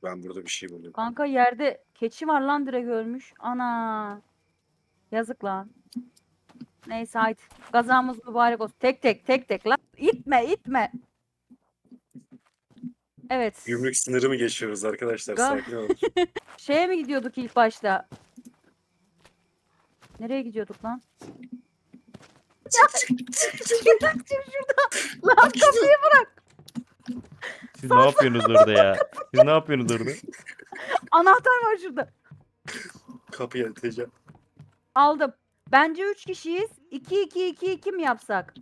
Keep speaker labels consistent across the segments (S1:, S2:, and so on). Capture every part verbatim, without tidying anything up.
S1: Ben burada bir şey buldum.
S2: Kanka yerde keçi var lan, direkt ölmüş. Ana. Yazık lan. Neyse haydi. Gazamız mübarek olsun. Tek tek tek tek lan. İtme itme. Evet.
S1: Gümrük sınırı mı geçiyoruz arkadaşlar?
S2: Ga
S1: Sakin olun.
S2: Şeye mi gidiyorduk ilk başta? Nereye gidiyorduk lan? Ya çık şuradan, çık şuradan. Lan kapıyı bırak.
S3: Siz ne yapıyorsunuz orada ya? Siz ne yapıyorsunuz orada?
S2: Anahtar var şurada.
S1: Kapıyı atacağım.
S2: Aldım. Bence üç kişiyiz. iki iki iki iki mi yapsak?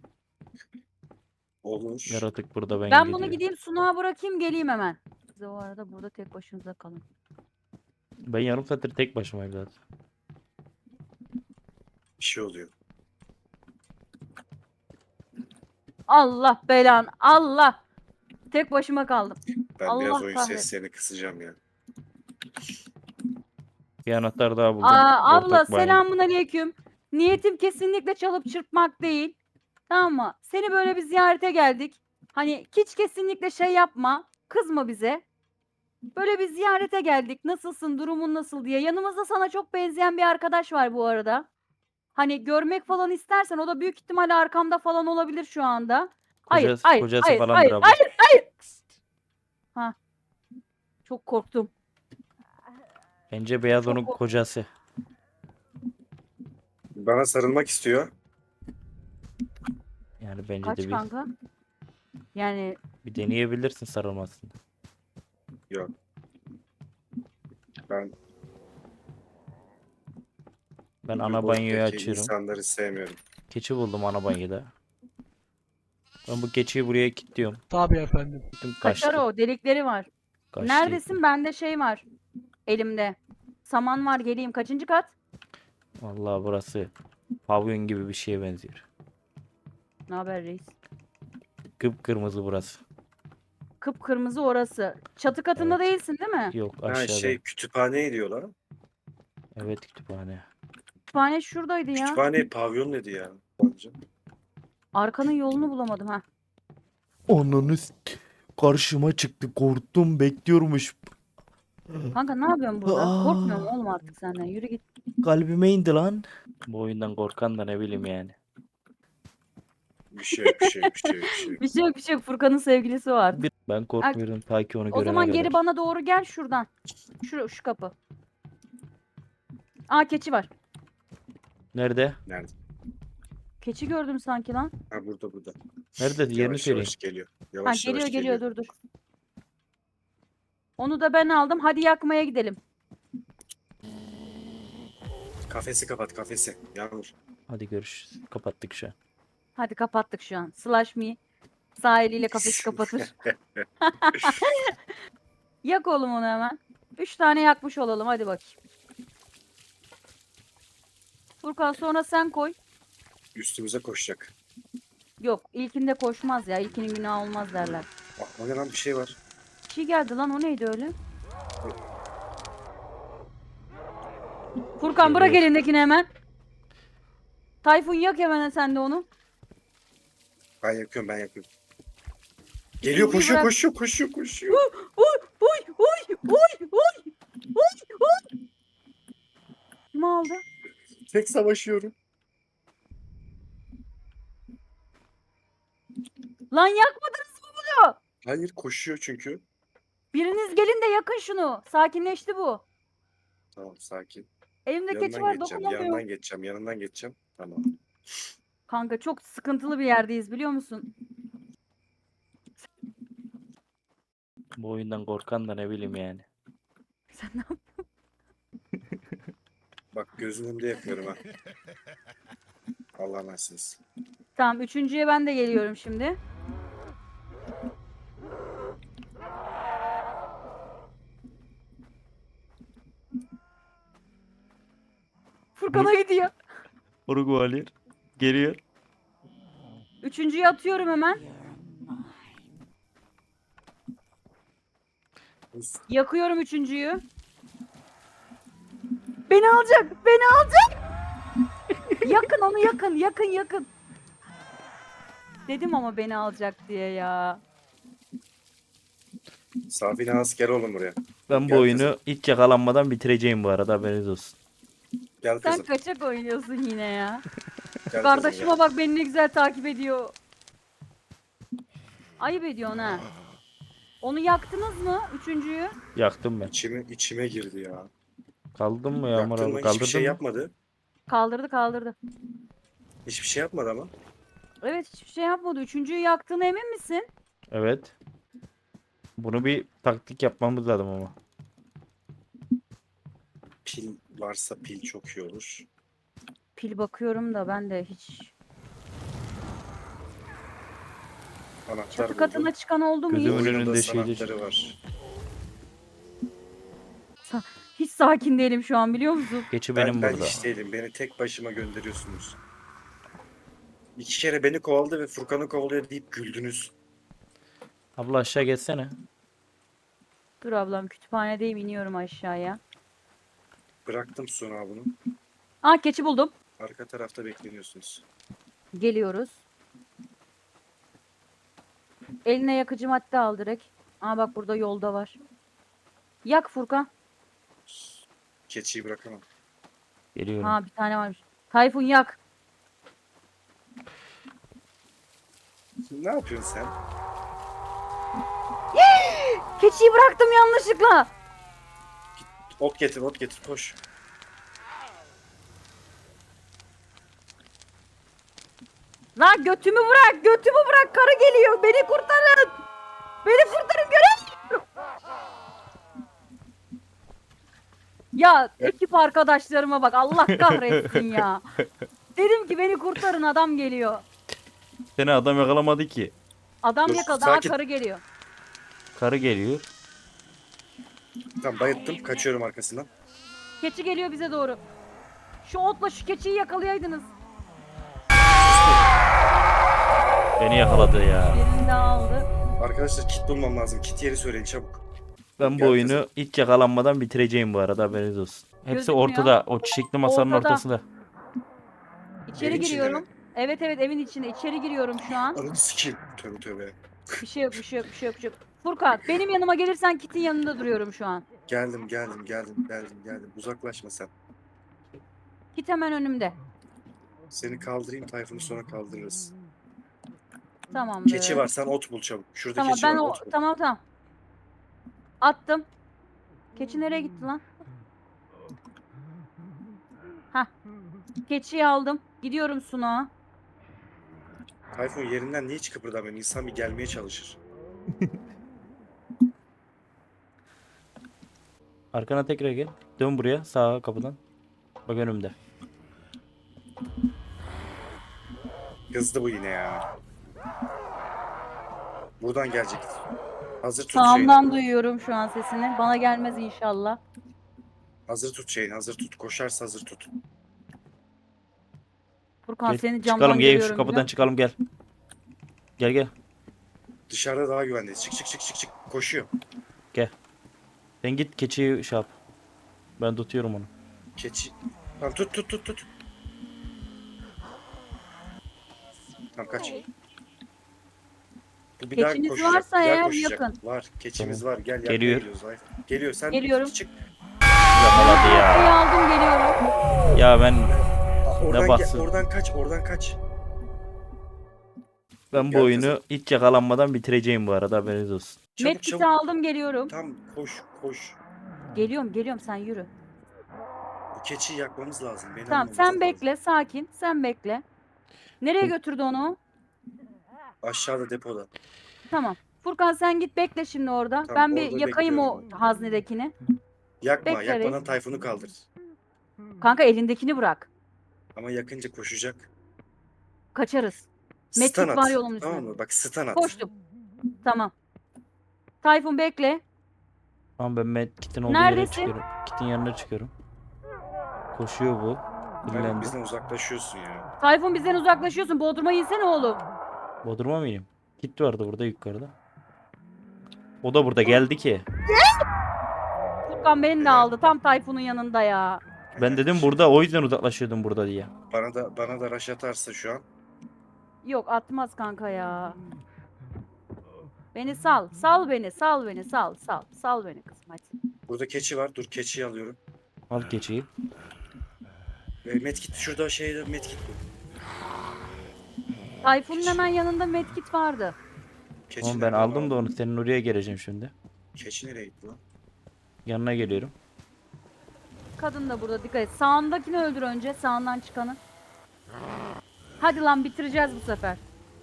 S1: Olmuş.
S3: Yaratık burada ben,
S2: Ben
S3: gidiyor.
S2: bunu gideyim sunuğa bırakayım, geleyim hemen. Siz o arada burada tek başınıza kalın.
S3: Ben yarım saattir tek başımayım zaten.
S1: Bir şey oluyor.
S2: Allah belan, Allah. Tek başıma kaldım.
S1: Ben
S2: Allah
S1: biraz oyun
S2: kahretsin.
S1: seslerini kısacağım ya.
S3: Bir anahtar daha buldum.
S2: Aa, abla
S3: Ortak banyo.
S2: selamun aleyküm. Niyetim kesinlikle çalıp çırpmak değil. Tamam mı? Seni böyle bir ziyarete geldik. Hani hiç kesinlikle şey yapma. Kızma bize. Böyle bir ziyarete geldik. Nasılsın, durumun nasıl diye. Yanımızda sana çok benzeyen bir arkadaş var bu arada. Hani görmek falan istersen, o da büyük ihtimalle arkamda falan olabilir şu anda. Hayır,
S3: Kocası,
S2: hayır,
S3: kocası
S2: hayır,
S3: falandır
S2: hayır,
S3: abla.
S2: hayır, hayır. Ha. Çok korktum.
S3: Bence beyaz
S2: Çok
S3: onun
S2: kork-
S3: kocası.
S1: Bana sarılmak istiyor.
S3: Yani bence
S2: Kaç
S3: de bir,
S2: kanka? Yani
S3: bir deneyebilirsin sarılmasını.
S1: Yok. Ben
S3: Ben
S1: bu
S3: ana banyoyu
S1: boyuttaki
S3: açıyorum.
S1: insanları sevmiyorum.
S3: Keçi buldum ana banyoda. Ben bu keçiyi buraya kilitliyorum.
S4: Tabii efendim.
S3: Gittim
S2: kaçar
S3: kaçtı.
S2: o, delikleri var.
S3: Kaçtı.
S2: Neredesin? Bende şey var. Elimde. Saman var, geleyim. Kaçıncı kat?
S3: Vallahi burası pavyon gibi bir şeye benziyor.
S2: Ne haber reis?
S3: Kıpkırmızı burası.
S2: Kıpkırmızı orası. Çatı katında
S3: Evet.
S2: değilsin değil mi?
S3: Yok
S1: Ha
S3: aşağıda.
S1: şey kütüphane diyorlar.
S3: Evet kütüphane.
S2: Kütüphane şuradaydı ya.
S1: Kütüphane pavyon dedi ya.
S2: Arkanın yolunu bulamadım ha.
S3: Onunu karşıma çıktı. Korktum, bekliyormuş.
S2: Kanka ne yapıyorsun burada?
S3: Aa.
S2: Korkmuyorum oğlum artık senden. Yürü git.
S3: Kalbime indi lan. Bu oyundan korkan da ne bileyim yani.
S1: Bir şey yok, bir şey yok, bir şey yok, bir şey yok.
S2: Bir şey yok, bir şey yok. Furkan'ın sevgilisi var.
S3: Bir- Ben korkmuyorum ta ki onu
S2: O
S3: görene
S2: zaman
S3: kadar.
S2: geri bana doğru gel şuradan. Şu, şu kapı. Aa, keçi var.
S3: Nerede?
S1: Nerede?
S2: Keçi gördüm sanki lan.
S1: Ha burada burada.
S3: Nerede? Yerini
S1: Yavaş
S3: söyleyin.
S1: yavaş geliyor.
S2: Ha,
S1: Yavaş
S2: geliyor
S1: yavaş
S2: geliyor, dur dur. Onu da ben aldım. Hadi yakmaya gidelim.
S1: Kafesi kapat kafesi. Yağmur.
S3: Hadi görüşürüz. Kapattık şu an.
S2: Hadi kapattık şu an. Slash me. Sağ eliyle kafesi kapatır. Yak oğlum onu hemen. Üç tane yakmış olalım. Hadi bakayım. Furkan sonra sen koy.
S1: Üstümüze koşacak.
S2: Yok, ilkinde koşmaz ya. İlkinin günahı olmaz derler.
S1: Bak o ne lan bir şey var.
S2: Bir şey geldi lan, o neydi öyle? Furkan bırak
S3: Geliyor.
S2: elindekini hemen. Tayfun yak hemen sen de onu.
S1: Ben yakıyorum ben yakıyorum. Geliyor
S2: İkinciyi
S1: koşuyor
S2: bırak.
S1: koşuyor koşuyor koşuyor.
S2: Uy uy uy uy uy uy uy. Kim aldı?
S1: Tek savaşıyorum.
S2: Lan yakmadınız mı bunu?
S1: Hayır koşuyor çünkü.
S2: Biriniz gelin de yakın şunu. Sakinleşti bu.
S1: Tamam sakin.
S2: Elimde keçi
S1: Yanından
S2: var,
S1: geçeceğim.
S2: dokunamıyorum.
S1: Yanından geçeceğim. Yanından geçeceğim. Tamam.
S2: Kanka çok sıkıntılı bir yerdeyiz, biliyor musun?
S3: Bu oyundan korkan da ne bileyim yani.
S2: Sen ne yap-
S1: Bak gözünün önünde yapıyorum ha. Allah'a emanetsiniz.
S2: Tamam, üçüncüye ben de geliyorum şimdi. Furkan'a gidiyor.
S3: Uruguaylı geliyor.
S2: Üçüncüyü atıyorum hemen. Yakıyorum üçüncüyü. Beni alacak, beni alacak. Yakın onu, yakın, yakın, yakın. Dedim ama beni alacak diye ya.
S1: Safine az gel oğlum buraya.
S3: Ben bu
S1: Gel
S3: oyunu
S1: kızım.
S3: hiç yakalanmadan bitireceğim bu arada, haberiniz olsun.
S1: Gel
S2: Sen
S1: kızım.
S2: kaçak oynuyorsun yine ya.
S1: Gel kızım,
S2: Kardeşime
S1: gel.
S2: bak beni ne güzel takip ediyor. Ayıp ediyorsun ha. Onu yaktınız mı? Üçüncüyü.
S3: Yaktım ben.
S1: İçime, içime girdi ya.
S3: Kaldın mı Yağmur
S1: Yaktın
S3: abi?
S1: mı? Hiçbir
S3: Kaldırdın
S1: şey
S3: mı?
S1: yapmadı.
S2: Kaldırdı kaldırdı.
S1: Hiçbir şey yapmadı ama.
S2: Evet hiçbir şey yapmadı. Üçüncüyü yaktığına emin misin?
S3: Evet. Bunu bir taktik yapmamız lazım ama.
S1: Pil varsa pil çok iyi olur.
S2: Pil bakıyorum da ben de hiç.
S1: Anahtar
S2: Çatı
S1: buldum.
S2: katına çıkan oldu mu hiç?
S3: Gözümün
S1: Oyunun da
S3: önünde şeydir.
S1: sanatları var.
S2: Hiç sakin değilim şu an biliyor musun?
S3: Geçi
S1: Ben,
S3: benim
S1: ben
S3: burada.
S1: hiç değilim. Beni tek başıma gönderiyorsunuz. İki kere beni kovaladı ve Furkan'ı kovalıyor deyip güldünüz.
S3: Abla aşağı geçsene.
S2: Dur ablam kütüphanedeyim iniyorum aşağıya.
S1: Bıraktım sonra bunu.
S2: Aa keçi buldum.
S1: Arka tarafta bekleniyorsunuz.
S2: Geliyoruz. Eline yakıcı madde al direkt. Aa bak burada yolda var. Yak Furkan.
S1: Keçiyi bırakamam.
S3: Geliyorum.
S2: Ha bir tane varmış. Tayfun yak.
S1: Ne yapıyorsun sen?
S2: Keçiyi bıraktım yanlışlıkla.
S1: Ot getir, ot getir, koş.
S2: Lan götümü bırak, götümü bırak. Karı geliyor. Beni kurtarın. Beni kurtarın göremiyorum. Ya ekip arkadaşlarıma bak. Allah kahretsin ya. Dedim ki beni kurtarın adam geliyor.
S3: Seni adam yakalamadı ki.
S2: Adam
S1: Dur,
S2: yakaladı. Aa,
S1: sakin.
S2: karı geliyor.
S3: Karı geliyor.
S1: Tamam bayılttım, kaçıyorum arkasından.
S2: Keçi geliyor bize doğru. Şu otla şu keçiyi yakalayaydınız.
S3: Beni yakaladı ya.
S2: Birini de aldı.
S1: Arkadaşlar kit bulmam lazım. Kit yeri söyleyin çabuk.
S3: Ben bu
S1: Gel
S3: oyunu
S1: kızım.
S3: hiç yakalanmadan bitireceğim bu arada, haberiniz olsun. Hepsi
S2: Gözükmüyor.
S3: ortada. O çiçekli masanın
S2: Ortada.
S3: ortasında.
S2: İçeri
S1: Evin içinde
S2: giriyorum.
S1: mi?
S2: Evet evet evin içinde. İçeri giriyorum şu an.
S1: Ananı sikeyim. Tövbe tövbe.
S2: Bir şey yok, bir şey yok, bir şey yok, bir şey yok. Furkan, benim yanıma gelirsen Kit'in yanında duruyorum şu an.
S1: Geldim, geldim, geldim, geldim, geldim. Uzaklaşma sen.
S2: Kit hemen önümde.
S1: Seni kaldırayım, Tayfun'u sonra kaldırırız.
S2: Tamamdır.
S1: Keçi var, sen ot bul çabuk. Şurada
S2: Tamam
S1: keçi
S2: ben
S1: var,
S2: o
S1: ot bul.
S2: tamam tamam. Attım. Keçi nereye gitti lan? Hah. Keçiyi aldım. Gidiyorum Sunağa.
S1: Tayfun yerinden niye hiç kıpırdamıyor? İnsan bir gelmeye çalışır.
S3: Arkana tekrar gel. Dön buraya, sağ kapıdan. Bak önümde.
S1: Kızdı bu yine ya. Buradan gelecek. Hazır tut
S2: Sağımdan
S1: şeyini.
S2: duyuyorum şu an sesini. Bana gelmez inşallah.
S1: Hazır tut şeyini, hazır tut. Koşarsa hazır tut.
S2: Furkan
S3: Gel,
S2: seni camdan
S3: çıkalım, gel
S2: görüyorum.
S3: şu kapıdan
S2: biliyor
S3: çıkalım, gel. Gel gel.
S1: Dışarıda daha güvendeyiz. Çık çık çık çık çık. Koşuyor.
S3: Sen git keçiyi şey yap. Ben tutuyorum onu.
S1: Keçi. Tamam tut tut tut tut. Tamam kaç. Bu bir daha
S2: Keçiniz
S1: koşacak.
S2: varsa
S1: bir daha
S2: eğer
S1: koşacak.
S2: yakın.
S1: Var. Keçimiz var. Gel gel.
S3: Geliyor.
S1: Geliyoruz. Ay. Geliyor. Sen
S2: Geliyorum.
S1: çık.
S3: Yakaladı
S2: musun? Keçiyi
S3: ya.
S2: aldım geliyorum.
S3: Ya ben
S1: Aa, Oradan, gel,
S3: baksın.
S1: oradan kaç. Oradan kaç.
S3: ben bu
S1: Gel
S3: oyunu
S1: kızım.
S3: hiç yakalanmadan bitireceğim bu arada, haberiniz olsun.
S1: Çabuk
S2: Medkit'i
S1: çabuk.
S2: aldım geliyorum.
S1: Tam koş koş.
S2: Geliyorum geliyorum sen yürü.
S1: Bu keçiyi yakmamız lazım. Beni
S2: Tamam
S1: almamız
S2: sen
S1: lazım.
S2: bekle sakin sen bekle. Nereye götürdü onu?
S1: Aşağıda depoda.
S2: Tamam. Furkan sen git bekle şimdi orada.
S1: Tamam,
S2: ben bir
S1: orada
S2: yakayım o
S1: bekliyorum
S2: haznedekini.
S1: Yakma.
S2: Bekle
S1: Yakmadan
S2: reis.
S1: Tayfun'u kaldır.
S2: Kanka elindekini bırak.
S1: Ama yakınca koşacak.
S2: Kaçarız. Medkit
S1: Stun at.
S2: var yolun
S1: Tamam
S2: üstünde.
S1: mı? Bak stun at.
S2: Koştum. Tamam. Tayfun bekle.
S3: Tamam, ben Med Kit'in olduğu yere
S2: Neredesin?
S3: çıkıyorum. Kit'in yanına çıkıyorum. Koşuyor bu.
S1: Tayfun
S3: Dinlendi.
S1: bizden uzaklaşıyorsun ya.
S2: Tayfun bizden uzaklaşıyorsun. Bodrum'a insene oğlum.
S3: Bodrum'a mı ineyim? Kit vardı burada yukarıda. O da burada geldi ki.
S2: Furkan beni de aldı. Tam Tayfun'un yanında ya.
S3: Ben dedim burada, o yüzden uzaklaşıyordum burada diye.
S1: Bana da bana da rush atarsa şu an.
S2: Yok atmaz kanka ya. Beni sal. Sal beni. Sal beni. Sal. Sal. Sal beni kızım hadi.
S1: Burada keçi var. Dur keçiyi alıyorum.
S3: Al keçiyi.
S1: E, medkit şurada şeyde medkit bu.
S2: Tayfun'un hemen yanında medkit vardı.
S1: Keçi
S3: Oğlum ben
S1: nerede
S3: aldım
S1: abi?
S3: da onu senin oraya geleceğim şimdi.
S1: Keçi nereye gitti lan?
S3: Yanına geliyorum.
S2: Kadın da burada dikkat et. Sağındakini öldür önce. Sağından çıkanı. Hadi lan bitireceğiz bu sefer.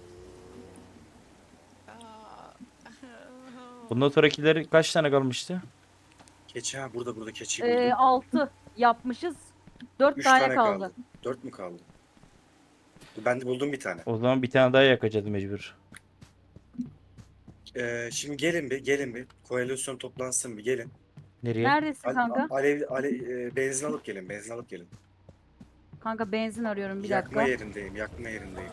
S3: Bundan sonrakileri kaç tane kalmıştı?
S1: Keçi ha burada burada keçiyi buldum.
S2: Ee, altı yapmışız. Dört
S1: Üç
S2: tane,
S1: tane
S2: kaldı.
S1: kaldı. Dört mü kaldı? Ben de buldum bir tane.
S3: O zaman bir tane daha yakacağız mecbur.
S1: Ee, şimdi gelin bir gelin bir. Koalisyon toplansın bir gelin.
S3: Nereye?
S2: Neredesin
S1: Al-
S2: kanka?
S1: Alev, alev, e, benzin alıp gelin benzin alıp gelin.
S2: Kanka benzin arıyorum bir
S1: yakma
S2: dakika.
S1: yerindeyim yakma yerindeyim.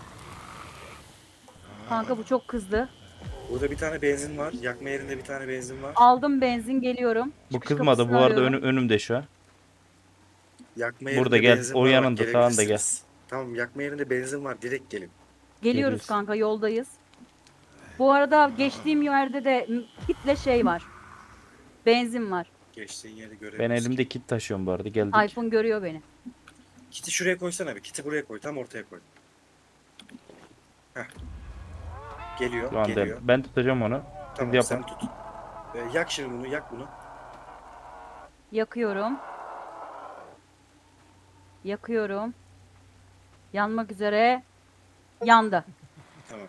S2: Kanka bu çok kızdı.
S1: Burada bir tane benzin var. Yakma yerinde bir tane benzin var.
S2: Aldım benzin geliyorum.
S3: Bu
S2: Çıkış
S3: kızmadı. Bu
S2: kapısını
S3: arada
S2: arıyorum.
S3: önü- önümde şu an.
S1: Yakma
S3: Burada
S1: yerinde
S3: gel,
S1: benzin
S3: o
S1: var, bak,
S3: yanında, sağında gel.
S1: gelebilirsiniz. Tamam yakma yerinde benzin var direkt gelin.
S2: Geliyoruz
S3: Geliyoruz.
S2: kanka yoldayız. Bu arada geçtiğim yerde de m- kitle şey var. Benzin var.
S1: Geçtiğin yeri
S3: Ben
S1: görebiliriz.
S3: elimde kit taşıyorum bu arada. Geldik.
S2: Tayfun görüyor beni.
S1: Kiti şuraya koysana bir. Kiti buraya koy. Tam ortaya koy. Heh. Geliyor,
S3: Şu anda
S1: geliyor.
S3: ben tutacağım onu.
S1: Tamam
S3: yapın.
S1: sen tut. Ee, yak şimdi bunu, yak bunu.
S2: Yakıyorum. Yakıyorum. Yanmak üzere. Yandı.
S1: Tamam.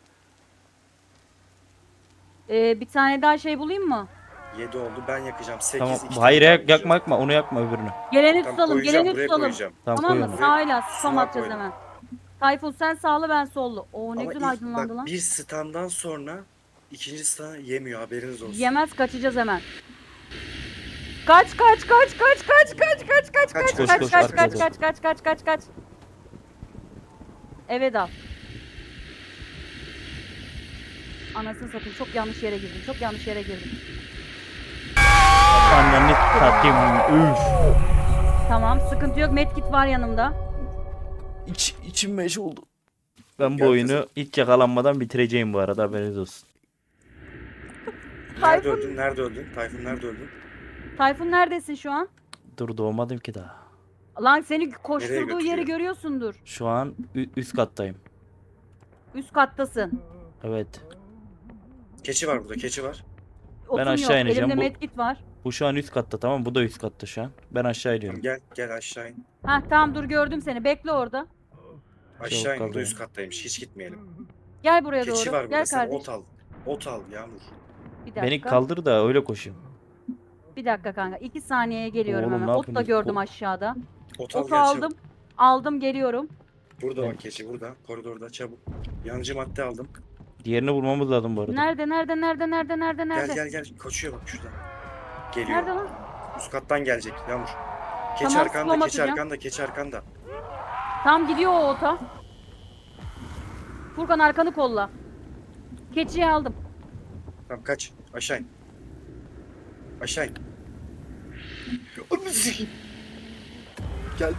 S2: Ee, bir tane daha şey bulayım mı?
S1: yedi oldu. Ben yakacağım. sekiz.
S3: Tamam.
S1: iki
S3: Hayır
S1: tane daha
S3: yak, yakma
S1: yakacağım.
S3: yakma. Onu yakma öbürünü.
S2: Geleni
S1: Tamam,
S2: tutalım,
S1: koyacağım,
S2: geleni
S1: buraya
S2: tutalım.
S1: koyacağım.
S3: Tamam,
S2: Tamam
S3: koy
S2: mı?
S3: onu.
S2: Sağıyla
S1: Sunağa
S2: spam atacağız
S1: koydum.
S2: hemen. Tayfun sen sağlı ben sollu. Oo ne
S1: Ama
S2: güzel
S1: ilk-
S2: aydınlandı
S1: bak,
S2: lan.
S1: bir standdan sonra ikinci stand yemiyor haberiniz olsun.
S2: Yemez kaçacağız hemen. Kaç kaç kaç kaç kaç kaç kaç kaç
S1: Kaç,
S2: kaç
S3: koş,
S2: kaç
S3: koş,
S2: kaç
S3: arkaya
S2: kaç
S3: doğru.
S2: kaç kaç kaç kaç kaç. Eve dal. Anasını satayım çok yanlış yere girdim. Çok yanlış yere girdim.
S3: Anneni satayım. Üf.
S2: Tamam sıkıntı yok. Medkit var yanımda.
S3: İç, içim meş oldu. Ben bu
S1: Gel
S3: oyunu
S1: kızım.
S3: hiç yakalanmadan bitireceğim bu arada, haberiniz olsun.
S1: Nerede
S2: Tayfun-
S1: öldün? Nerede öldün? Tayfun nerede öldün?
S2: Tayfun neredesin şu an?
S3: Dur, doğmadım ki daha.
S2: Lan seni koşturduğu yeri
S1: götürüyor?
S2: görüyorsundur.
S3: Şu an ü- üst kattayım.
S2: Üst kattasın.
S3: Evet.
S1: Keçi var burada, keçi var.
S2: Otun
S3: aşağı
S2: yok.
S3: ineceğim.
S2: Elimde
S3: Bu-
S2: medkit var.
S3: Bu şu an üst katta, tamam. Bu da üst katta şu an. Ben aşağı iniyorum.
S1: Tamam, gel, gel aşağı in.
S2: Heh tamam dur gördüm seni. Bekle orada.
S1: Aşağı in,
S3: kaldı
S1: burada
S3: ya.
S1: üst kattaymış. Hiç gitmeyelim.
S2: Gel buraya
S1: Keçi
S2: doğru.
S1: var burada.
S2: Gel
S1: Sen
S2: kardeş.
S1: ot al. Ot al Yağmur.
S2: Bir dakika.
S3: Beni kaldır da öyle koşayım.
S2: Bir dakika kanka. iki saniyeye geliyorum
S3: Oğlum,
S2: hemen.
S3: ne
S2: Ot da
S3: yapıyorsunuz?
S2: gördüm
S3: O-
S2: aşağıda.
S1: Ot al
S2: Otu
S1: gel
S2: aldım.
S1: çabuk.
S2: Aldım geliyorum.
S1: Burada
S3: Ben-
S1: bak keçi burada. Koridorda çabuk. Yanıcı madde aldım.
S3: Diğerini bulmamız lazım bu arada.
S2: Nerede nerede nerede nerede nerede nerede?
S1: Gel gel gel. Koşuyor bak şuradan. Geliyor.
S2: Nerede lan?
S1: Üst kattan gelecek Yağmur. Keçi
S2: Tamam,
S1: arkanda,
S2: spam
S1: keçi
S2: atacağım.
S1: arkanda, keçi arkanda.
S2: Tam gidiyor o ota. Furkan arkanı kolla. Keçiyi aldım.
S1: Tamam kaç. Aşağı in. Aşağı in. Ananı sikeyim. Gel.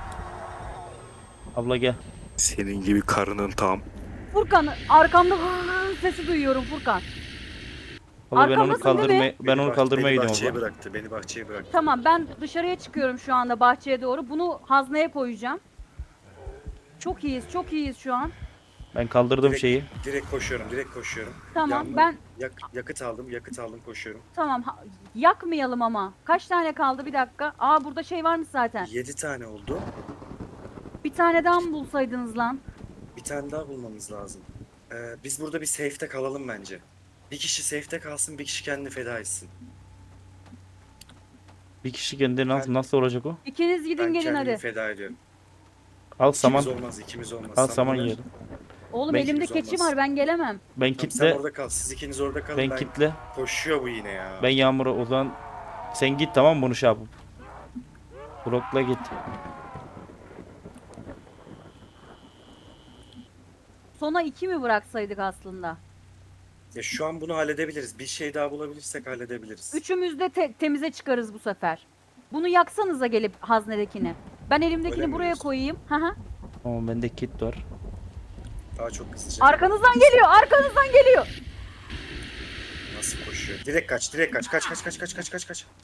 S3: Abla gel.
S1: Senin gibi karının tam.
S2: Furkan arkamda hıhı sesi duyuyorum Furkan.
S3: Abla ben onu
S2: Arkamdasın değil mi?
S3: kaldırmaya ben
S1: Beni
S3: onu
S1: bah-
S3: kaldırmaya
S1: beni
S3: gidiyorum
S1: bahçeye
S3: abla.
S1: bıraktı. Beni bahçeye bıraktı.
S2: Tamam ben dışarıya çıkıyorum şu anda bahçeye doğru. Bunu hazneye koyacağım. Çok iyiyiz çok iyiyiz şu an.
S3: Ben kaldırdım
S1: Direkt-
S3: şeyi.
S1: Direkt koşuyorum, direkt koşuyorum.
S2: Tamam
S1: Yandım.
S2: ben
S1: Yak, yakıt aldım, yakıt aldım, koşuyorum.
S2: tamam ha- yakmayalım ama. Kaç tane kaldı bir dakika. Aa burada şey varmış zaten.
S1: Yedi tane oldu.
S2: Bir tane daha mı bulsaydınız lan?
S1: Bir tane daha bulmamız lazım. Ee, biz burada bir safe'te kalalım bence. Bir kişi safe'te kalsın, bir kişi kendini feda etsin.
S3: Bir kişi kendi nasıl,
S1: Ben-
S3: nasıl olacak o?
S2: İkiniz gidin
S1: Ben
S2: gelin
S1: kendimi
S2: hadi.
S1: feda ediyorum.
S3: Al saman.
S1: İkimiz olmaz, ikimiz olmaz.
S3: Al
S1: Sen
S3: saman
S1: burada-
S3: yiyelim.
S2: Oğlum
S3: Ben-
S2: elimde
S1: İkimiz
S2: keçi
S1: olmaz.
S2: var ben gelemem.
S3: Ben
S1: Tamam, sen
S3: kitle.
S1: orada kal, siz ikiniz orada kalın.
S3: Ben
S1: Ben,
S3: kitle.
S1: koşuyor bu yine ya.
S3: Ben Yağmur'a o zaman sen git, tamam mı, bunu şey yapıp. Blokla git.
S2: Sona iki mi bıraksaydık aslında?
S1: Ya şu an bunu halledebiliriz. Bir şey daha bulabilirsek halledebiliriz.
S2: Üçümüz de te- temize çıkarız bu sefer. Bunu yaksanıza gelip haznedekini. Ben
S1: Öyle
S2: elimdekini
S1: mi
S2: buraya
S1: diyorsun?
S2: koyayım. Hı hı.
S3: Tamam, bende kit var.
S1: Daha çok hızlıca.
S2: Arkanızdan geliyor, arkanızdan geliyor.
S1: Nasıl koşuyor? Direkt kaç, direkt kaç, kaç, kaç, kaç, kaç, kaç, kaç, kaç.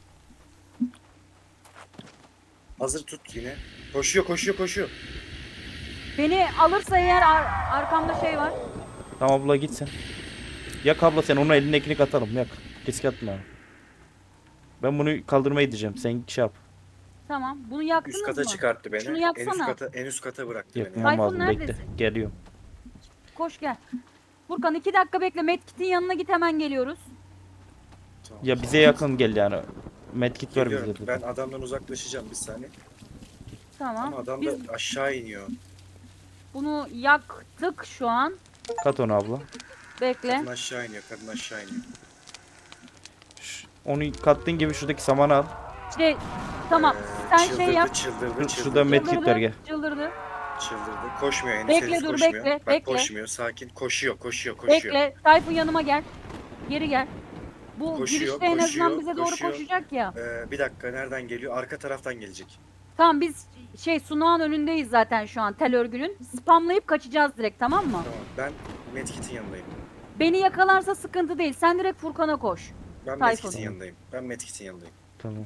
S1: Hazır tut yine. Koşuyor, koşuyor, koşuyor.
S2: Beni alırsa eğer ar- arkamda şey var.
S3: Tamam abla git sen. Yak abla sen onun elindekini katalım yak. Risk atma. Ben bunu kaldırmaya gideceğim. Sen şey yap.
S2: Tamam. Bunu yaktınız
S1: Üst kata
S2: mı?
S1: çıkarttı beni.
S2: Şunu
S1: En üst
S2: yaksana.
S1: kata, en üst kata bıraktı
S3: Yakmam
S1: beni.
S2: Tayfun
S3: lazım bekle.
S2: neredesin?
S3: Geliyorum.
S2: Koş gel. Furkan iki dakika bekle. Medkit'in yanına git, hemen geliyoruz.
S1: Tamam.
S3: Ya bize yakın gel yani. Medkit var
S1: Geliyorum.
S3: bize.
S1: Ben adamdan uzaklaşacağım bir saniye.
S2: Tamam.
S1: Ama adam
S2: Biz
S1: da aşağı iniyor.
S2: bunu yaktık şu an.
S3: Kat onu abla.
S2: Bekle.
S1: Kadın aşağı iniyor, kadın aşağı iniyor.
S3: Şş, Onu kattığın gibi şuradaki samanı al.
S2: Şey, tamam.
S1: Ee,
S2: Sen
S1: çıldırdı,
S2: şey yap.
S1: Çıldırdı,
S3: Dur,
S1: çıldırdı,
S3: şurada medkit
S2: Çıldırdı,
S3: var gel.
S2: çıldırdı.
S1: çıldırdı. Koşmuyor henüz,
S2: Bekle,
S1: henüz
S2: dur,
S1: koşmuyor.
S2: bekle,
S1: Bak
S2: bekle.
S1: koşmuyor, sakin. Koşuyor, koşuyor, koşuyor.
S2: Bekle. Tayfun yanıma gel. Geri gel. Bu
S1: Koşuyor,
S2: girişte en azından
S1: koşuyor,
S2: bize doğru
S1: koşuyor.
S2: koşacak ya.
S1: Ee, bir dakika, nereden geliyor? Arka taraftan gelecek.
S2: Tamam, biz şey sunağın önündeyiz zaten şu an, tel örgünün. Spamlayıp kaçacağız direkt, tamam mı?
S1: Tamam, ben Medkit'in yanındayım.
S2: Beni yakalarsa sıkıntı değil. Sen direkt Furkan'a koş.
S1: Ben
S2: Tayfun.
S1: Medkit'in yanındayım. Ben Medkit'in yanındayım.
S3: Tamam.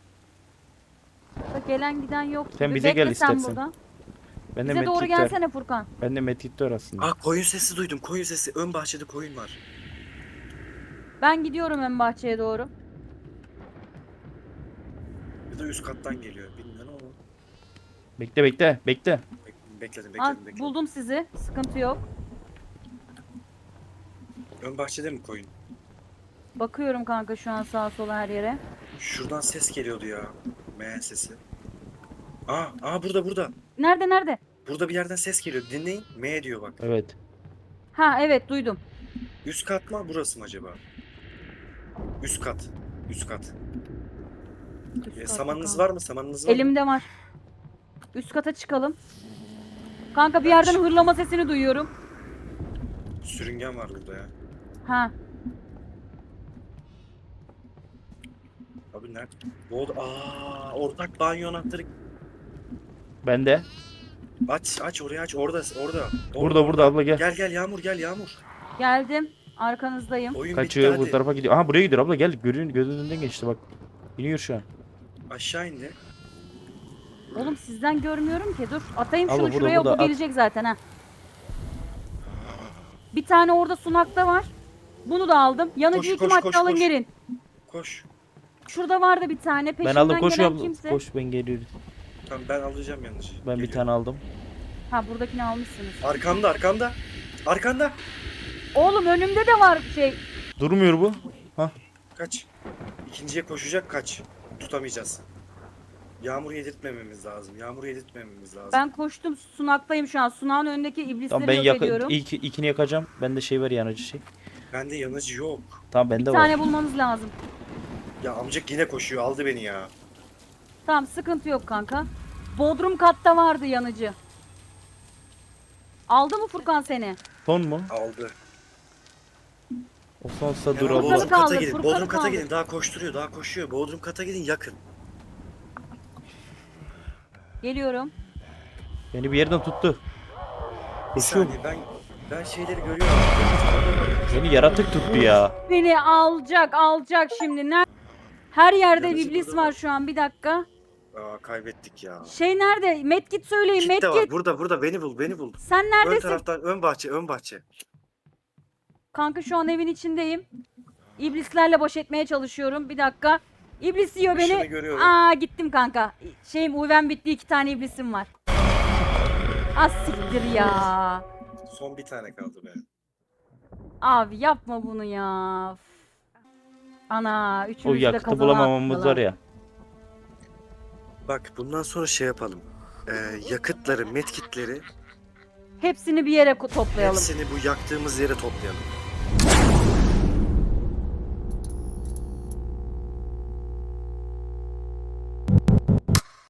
S2: Bak, gelen giden yok.
S3: Sen
S2: gibi.
S3: bize
S2: Bekle
S3: gel
S2: sen
S3: istersen.
S2: burada.
S3: Ben de
S2: Bize doğru
S3: medkit var.
S2: gelsene Furkan.
S3: Ben de medkit var aslında.
S1: Aa, koyun sesi duydum, koyun sesi. Ön bahçede koyun var.
S2: Ben gidiyorum ön bahçeye doğru.
S1: Ya da üst kattan geliyor. Bilmiyorum ama.
S3: Bekle bekle bekle.
S1: Bek- Bekledim,
S2: Aa,
S1: bekledim, bekledim.
S2: buldum sizi. Sıkıntı yok.
S1: Ön bahçede mi koyun?
S2: Bakıyorum kanka şu an sağa sola her yere.
S1: Şuradan ses geliyordu ya. M sesi. Aa, aa burada, burada.
S2: Nerede nerede?
S1: Burada bir yerden ses geliyor. Dinleyin. M diyor bak.
S3: Evet.
S2: Ha evet, duydum.
S1: Üst kat mı, burası mı acaba? Üst kat. Üst kat.
S2: Üst
S1: E,
S2: kat
S1: samanınız
S2: bakalım.
S1: var mı? Samanınız var mı?
S2: Elimde var. Üst kata çıkalım. Kanka bir
S1: Ben
S2: yerden
S1: çık-
S2: hırlama sesini duyuyorum.
S1: Sürüngen var burada ya.
S2: Ha.
S1: Abi nerede? Bu oda... Aa, ortak banyo anahtarı.
S3: Ben de.
S1: Aç, aç orayı aç. Orada, orada.
S3: Burada burada abla gel.
S1: Gel gel Yağmur, gel Yağmur.
S2: Geldim. Arkanızdayım.
S1: Oyun
S3: Kaçıyor
S1: bitti
S3: bu
S1: hadi.
S3: tarafa gidiyor. Aha buraya gidiyor abla gel. Gözün gözünün önünden geçti bak. İniyor şu an.
S1: Aşağı indi.
S2: Oğlum sizden görmüyorum ki. Dur atayım
S3: Abla,
S2: şunu
S3: burada,
S2: şuraya,
S3: burada,
S2: bu
S3: at.
S2: gelecek zaten ha. Bir tane orada sunakta var. Bunu da aldım. Yanıcıyı
S1: Koş,
S2: kim
S1: koş,
S2: attı,
S1: koş,
S2: alın
S1: koş.
S2: gelin.
S1: Koş.
S2: Şurada vardı bir tane. Peşimden
S3: Ben aldım koş
S2: gelen
S3: abla.
S2: kimse.
S3: Koş ben geliyorum.
S1: Tamam, ben alacağım yanlış.
S3: Ben bir
S1: Geliyor.
S3: tane aldım.
S2: Ha, buradakini almışsınız.
S1: Arkamda, arkamda. Arkanda.
S2: Oğlum önümde de var şey.
S3: Durmuyor bu.
S1: Kaç. İkinciye koşacak, kaç. Tutamayacağız. Yağmur yedirtmememiz lazım. Yağmur yedirtmememiz lazım.
S2: Ben koştum, sunaktayım şu an. Sunağın önündeki iblisleri
S3: Tamam ben
S2: yok
S3: yak
S2: ediyorum.
S3: ilk ikini yakacağım. Bende şey var yanıcı şey.
S1: Bende yanıcı yok.
S3: Tamam bende
S2: Bir
S3: var.
S2: tane bulmamız lazım.
S1: Ya amcık yine koşuyor. Aldı beni ya.
S2: Tamam, sıkıntı yok kanka. Bodrum katta vardı yanıcı. Aldı mı Furkan seni?
S3: Son mu?
S1: Aldı.
S3: O sonsa dur
S1: Hemen
S3: abla.
S1: Bodrum
S2: Furkan'ı
S1: kata
S2: kaldır,
S1: gidin.
S2: Furkan'ı
S1: Bodrum kata
S2: kaldır.
S1: gidin. Daha koşturuyor. Daha koşuyor. Bodrum kata gidin, yakın.
S2: Geliyorum.
S3: Beni bir yerden tuttu.
S1: Bir
S3: Koşuyor.
S1: saniye, ben ben şeyleri görüyorum.
S3: Beni yaratık tuttu ya.
S2: Beni alacak, alacak şimdi. Ner Her yerde
S1: Yanıcı
S2: iblis
S1: burada
S2: var
S1: var.
S2: şu an. Bir dakika.
S1: Aa, kaybettik ya.
S2: Şey nerede? Medkit söyleyin,
S1: Kit de var.
S2: medkit.
S1: Burada, burada. Beni bul, beni bul.
S2: Sen
S1: Ön
S2: neredesin?
S1: taraftan, ön bahçe, ön bahçe.
S2: Kanka şu an evin içindeyim. İblislerle baş etmeye çalışıyorum. Bir dakika. İblis yiyor
S1: Işını
S2: beni.
S1: görüyorum.
S2: Aa, gittim kanka. Şeyim, uyven bitti, iki tane iblisim var. Az siktir ya.
S1: Son bir tane kaldı be.
S2: Abi yapma bunu ya. Üf. Ana,
S3: O
S2: üçümüz de
S3: yakıtı
S2: kazana
S3: bulamamamız
S2: attılar.
S3: var ya.
S1: Bak, bundan sonra şey yapalım. Ee, yakıtları, medkitleri
S2: Hepsini bir yere ko- toplayalım.
S1: hepsini bu yaktığımız yere toplayalım.